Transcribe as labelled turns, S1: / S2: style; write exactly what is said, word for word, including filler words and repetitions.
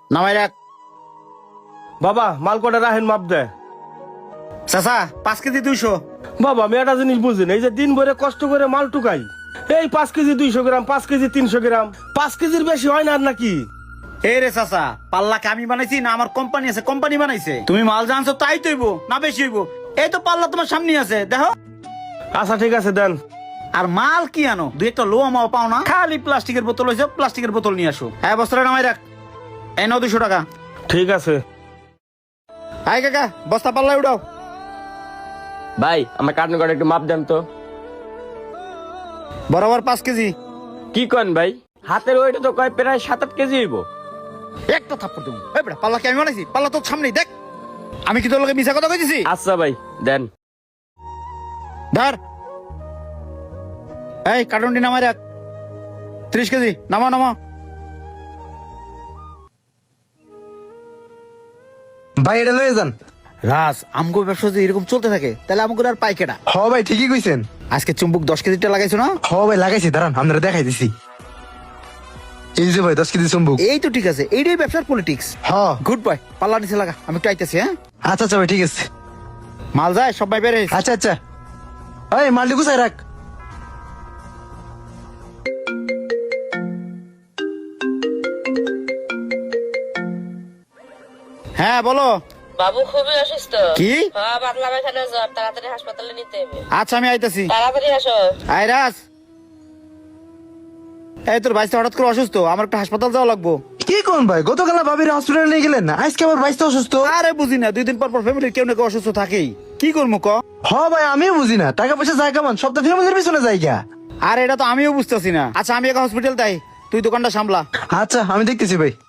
S1: নামাই রাখ।
S2: বাবা মাল কটা রাখেন মাপ দে।
S1: চাচা পাঁচ কেজি দুইশো।
S2: বাবা আমি একটা জিনিস বুঝিনি, এই যে দিন ভরে কষ্ট করে মাল টুকাই, এই পাঁচ কেজি দুইশো গ্রাম, পাঁচ কেজি তিনশো গ্রাম, পাঁচ কেজির বেশি হয় না আর নাকি?
S1: এই রে চাচা, পাল্লাকে আমি বানাইছি না আমার কোম্পানি আছে, কোম্পানি বানাইছে। তুমি মাল জানছো তাই তৈব না বেশি হইব। এই তো পাল্লা তোমার সামনে আছে, দেখো।
S2: আচ্ছা ঠিক আছে দেন।
S1: আর মাল কি আনো, দুই একটা লো আমাও পাও না, খালি প্লাস্টিকের বোতল হয়েছে, প্লাস্টিকের বোতল নিয়ে আসো। হ্যাঁ বস্তাটা নামাই রাখ। এই নাও দুশো টাকা।
S2: ঠিক আছে।
S1: হাই কাকা, বস্তা পাল্লায় উঠাও।
S3: ভাই আমার কার্টুন কার্ড একটু মাপ দেন তো।
S1: বরাবর পাঁচ কেজি।
S3: কি কন ভাই, হাতের ওইটা তো কয় প্রায় সাত আট কেজি হইব।
S1: একটা থাপ্পড় দেবো। এই বেটা, পাল্লা কি আমি বানাইছি? পাল্লা তোর সামনেই দেখ। আমি কি তোর লোকে মিছা কথা কইতেছি?
S3: আচ্ছা ভাই দেন।
S1: ধর। এই কার্টুনটি নামাই রাখ। ত্রিশ কেজি নামা নামা।
S4: ভাই এটা লয়ে যান।
S1: রাস আমগো ব্যবসা যদি এরকম চলতে থাকে তাহলে আমগো আর পাই কেডা?
S4: হ ভাই ঠিকই কইছেন।
S1: আজকে চুম্বুক দশ কেজিটা লাগাইছো না?
S4: হ ভাই লাগাইছি, দাঁড়ান আমরা দেখাই দিছি। এই যে ভাই দশ কেজি চুম্বুক।
S1: এই তো ঠিক আছে, এইটাই ব্যবসার পলিটিক্স।
S4: হ
S1: গুড বয়, পাল্লা নিচে লাগা, আমি একটু আইতেছি। হ্যাঁ
S4: আচ্ছা আচ্ছা ভাই ঠিক আছে।
S1: মাল যায় সবাই বেড়ে।
S4: আচ্ছা আচ্ছা এই মালটি গুছাই রাখ।
S1: হ্যাঁ বলো।
S5: বাবু খুবই অসুস্থ।
S1: কি?
S5: হ্যাঁ, পাতলা পায়খানা জ্বর, তাড়াতাড়ি হাসপাতালে নিতে হবে।
S1: আচ্ছা আমি আইতেছি।
S5: তাড়াতাড়ি আসো।
S1: আয় রাস। এই তোর ভাইস্তা হঠাৎ করে অসুস্থ, আমার একটা হাসপাতাল যাওয়া লাগবো।
S4: কি কোন ভাই, গতকাল ভাবির হসপিটালে নিয়ে গেলেন না, আজকে আবার বাইশটা অসুস্থ।
S1: আরে বুঝি না, দুই দিন পর পর ফ্যামিলির কেউ না কেউ অসুস্থ থাকেই। কি করবো ক?
S4: হ ভাই আমিও বুঝি না, টাকা পয়সা যায় কেমন, সব তো ফ্যামিলির পিছনে যায় গা।
S1: আর এটা তো আমিও বুঝতেছি না। আচ্ছা আমি এক হসপিটাল তাই, তুই দোকানটা সামলা।
S4: আচ্ছা আমি দেখতেছি ভাই।